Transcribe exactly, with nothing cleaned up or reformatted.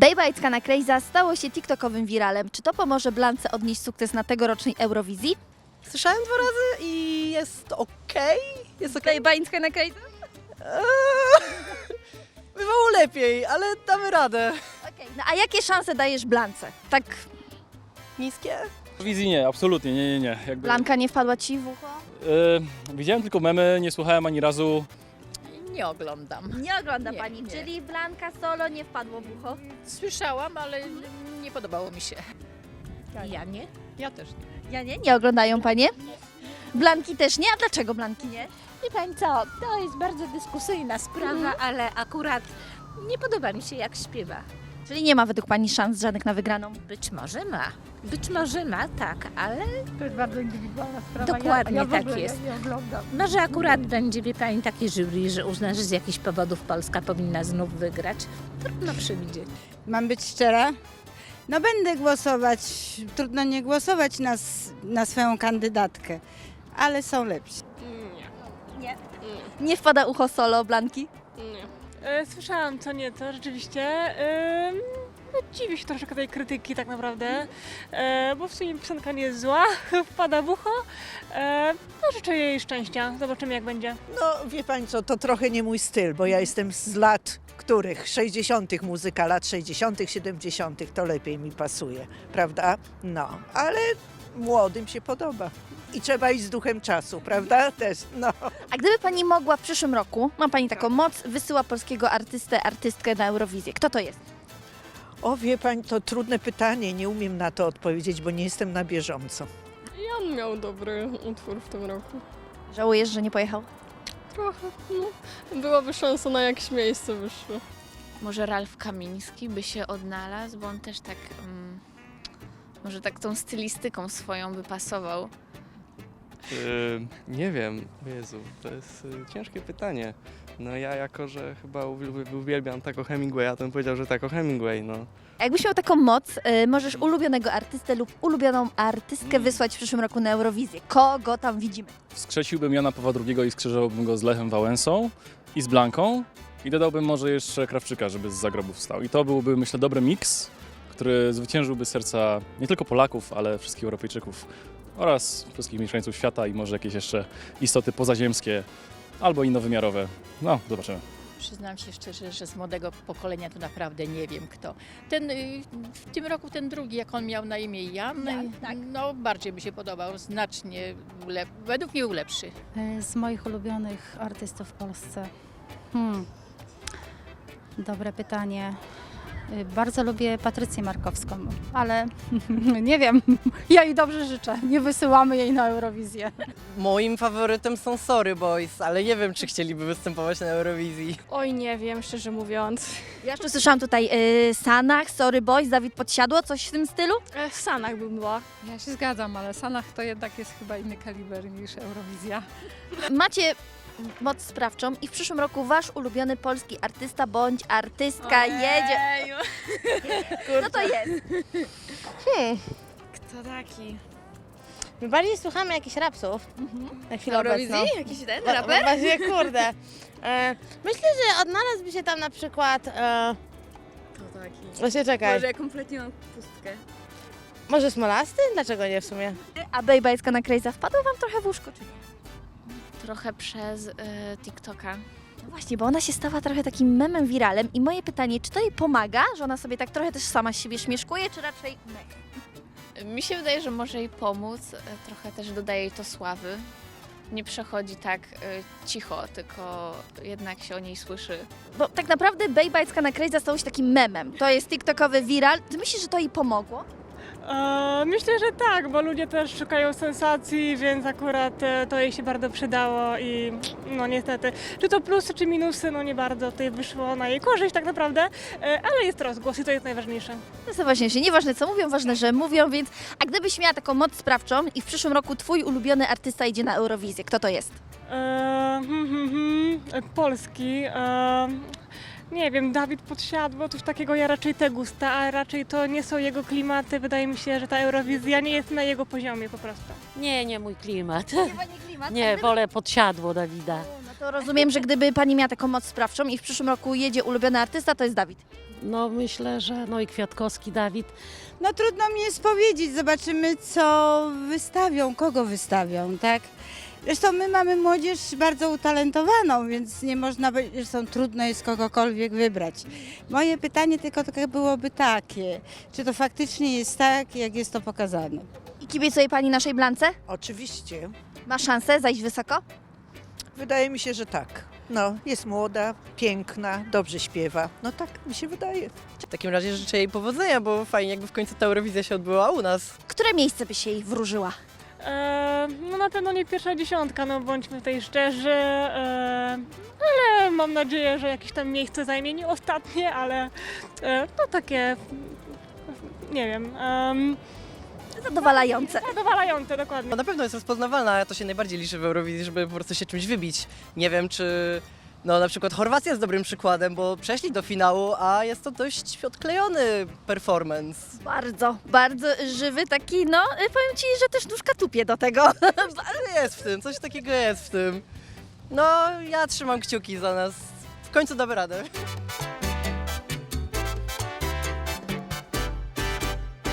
Bejbajcka na Krejza stało się tiktokowym wiralem. Czy to pomoże Blance odnieść sukces na tegorocznej Eurowizji? Słyszałem dwa razy i jest okej. Jest okej. Bejbajcka na Krejza? Eee, Bywało lepiej, ale damy radę. Okej, no a jakie szanse dajesz Blance? Tak, Niskie? Wizji nie, absolutnie, nie, nie, nie. Jakby, Blanka nie wpadła ci w ucho? e, widziałem tylko memy, nie słuchałem ani razu. Nie oglądam. Nie ogląda Nie, pani, nie. czyli Blanka solo nie wpadło w ucho? Słyszałam, ale nie podobało mi się. Ja nie? Ja też nie. Ja nie, nie oglądają panie? Blanki też nie? A dlaczego Blanki nie? Wie pani co, to jest bardzo dyskusyjna sprawa, ale akurat nie podoba mi się jak śpiewa. Czyli nie ma według pani szans żadnych na wygraną? Być może ma. Być może ma, tak, ale To jest bardzo indywidualna sprawa. Dokładnie ja, ja w tak ogóle jest. Nie, nie oglądam. może akurat będzie, wie pani, takie jury, że uzna, że z jakichś powodów Polska powinna znów wygrać. Trudno przewidzieć. Mam być szczera? No będę głosować, trudno nie głosować na, s- na swoją kandydatkę, ale są lepsi. Nie wpada ucho solo Blanki? E, Słyszałam co nieco, rzeczywiście. E, No, dziwię się troszkę tej krytyki tak naprawdę, e, bo w sumie piosenka nie jest zła, wpada w ucho. E, No, życzę jej szczęścia, zobaczymy jak będzie. No wie pani co, to trochę nie mój styl, bo ja jestem z lat których? sześćdziesiątych muzyka, lat sześćdziesiątych, siedemdziesiątych, to lepiej mi pasuje, prawda? No, ale młodym się podoba. I trzeba iść z duchem czasu, prawda? Też, no. A gdyby pani mogła w przyszłym roku, ma pani taką moc, wysyła polskiego artystę, artystkę na Eurowizję. Kto to jest? O wie pani, to trudne pytanie, nie umiem na to odpowiedzieć, bo nie jestem na bieżąco. Jan miał dobry utwór w tym roku. Żałujesz, że nie pojechał? Trochę, no. Byłaby szansa na jakieś miejsce wyższe. Może Ralf Kamiński by się odnalazł, bo on też tak, mm, może tak tą stylistyką swoją by pasował. Yy, nie wiem, Jezu, to jest y, ciężkie pytanie. No ja jako, że chyba uwiel- uwielbiam Taco Hemingwaya, to bym powiedział, że Taco Hemingway, no. A jakbyś miał taką moc, y, możesz ulubionego artystę lub ulubioną artystkę wysłać w przyszłym roku na Eurowizję. Kogo tam widzimy? Wskrzesiłbym Jana Pawła drugiego i skrzyżowałbym go z Lechem Wałęsą i z Blanką i dodałbym może jeszcze Krawczyka, żeby z zagrobu wstał. I to byłby, myślę, dobry miks, który zwyciężyłby serca nie tylko Polaków, ale wszystkich Europejczyków oraz wszystkich mieszkańców świata i może jakieś jeszcze istoty pozaziemskie albo innowymiarowe. No, zobaczymy. Przyznam się szczerze, że z młodego pokolenia to naprawdę nie wiem kto. Ten, y, w tym roku ten drugi, jak on miał na imię Jan, no bardziej mi się podobał, znacznie, ulep- według mnie był lepszy. Z moich ulubionych artystów w Polsce. Hmm. Dobre pytanie. Y, Bardzo lubię Patrycję Markowską, ale nie wiem. Ja jej dobrze życzę. Nie wysyłamy jej na Eurowizję. Moim faworytem są Sorry Boys, ale nie wiem, czy chcieliby występować na Eurowizji. Oj, nie wiem, szczerze mówiąc. Ja jeszcze słyszałam tutaj y, Sanach, Sorry Boys, Dawid Podsiadło, coś w tym stylu? E, w Sanach bym była. Ja się zgadzam, ale Sanach to jednak jest chyba inny kaliber niż Eurowizja. Macie moc sprawczą i w przyszłym roku wasz ulubiony polski artysta bądź artystka jedzie. Kto to jest? Kto taki? My bardziej słuchamy jakichś rapsów. Na chwilę obecną. Jakiś ten Wa- wa- Właśnie, kurde. E, myślę, że odnalazłby się tam na przykład... E, Kto taki? właśnie czekaj. Może ja kompletnie mam pustkę. Może Smolasty? Dlaczego nie w sumie? A Bejbajska na Krejza wpadła wam trochę w łóżko, czy nie? Trochę przez y, TikToka. No właśnie, bo ona się stała trochę takim memem wiralem i moje pytanie, czy to jej pomaga, że ona sobie tak trochę też sama z siebie śmieszkuje, czy raczej mech? Mi się wydaje, że może jej pomóc, y, trochę też dodaje jej to sławy. Nie przechodzi tak y, cicho, tylko jednak się o niej słyszy. Bo tak naprawdę Bejbajska na Krejza stało się takim memem. To jest tiktokowy viral. Ty myślisz, że to jej pomogło? E, Myślę, że tak, bo ludzie też szukają sensacji, więc akurat e, to jej się bardzo przydało i no niestety, czy to plusy, czy minusy, no nie bardzo tutaj wyszło na jej korzyść tak naprawdę, e, ale jest rozgłos i to jest najważniejsze. To jest najważniejsze. Nieważne co mówią, ważne, że mówią, więc... A gdybyś miała taką moc sprawczą i w przyszłym roku twój ulubiony artysta idzie na Eurowizję, kto to jest? E, hmm, hmm, hmm, e, Polski, e, nie wiem, Dawid Podsiadło, coś takiego, ja raczej te gusta, a raczej to nie są jego klimaty, wydaje mi się, że ta Eurowizja nie jest na jego poziomie po prostu. Nie, nie mój klimat. Nie, pani klimat. Nie, wolę Podsiadło Dawida. No To rozumiem, że gdyby pani miała taką moc sprawczą i w przyszłym roku jedzie ulubiony artysta, to jest Dawid. No myślę, że no i Kwiatkowski, Dawid. No trudno mi jest powiedzieć, zobaczymy co wystawią, kogo wystawią, tak? Zresztą my mamy młodzież bardzo utalentowaną, więc nie można, by- zresztą trudno jest kogokolwiek wybrać. Moje pytanie tylko takie byłoby takie, czy to faktycznie jest tak, jak jest to pokazane? I kibicuje pani naszej Blance? Oczywiście. Ma szansę zajść wysoko? Wydaje mi się, że tak. No, jest młoda, piękna, dobrze śpiewa. No tak mi się wydaje. W takim razie życzę jej powodzenia, bo fajnie jakby w końcu ta Eurowizja się odbyła u nas. Które miejsce by się jej wróżyła? E, no na pewno nie pierwsza dziesiątka, no bądźmy tutaj szczerzy, e, ale mam nadzieję, że jakieś tam miejsce zajmie, nie ostatnie, ale e, no takie, nie wiem, um, Zadowalające. zadowalające dokładnie. No na pewno jest rozpoznawalna, a to się najbardziej liczy w Eurowizji, żeby po prostu się czymś wybić. Nie wiem, czy no na przykład Chorwacja jest dobrym przykładem, bo przeszli do finału, a jest to dość odklejony performance. Bardzo, bardzo żywy taki, no y, powiem ci, że też nóżka tupie do tego. Ale jest w tym, coś takiego jest w tym. No ja trzymam kciuki za nas. W końcu damy radę.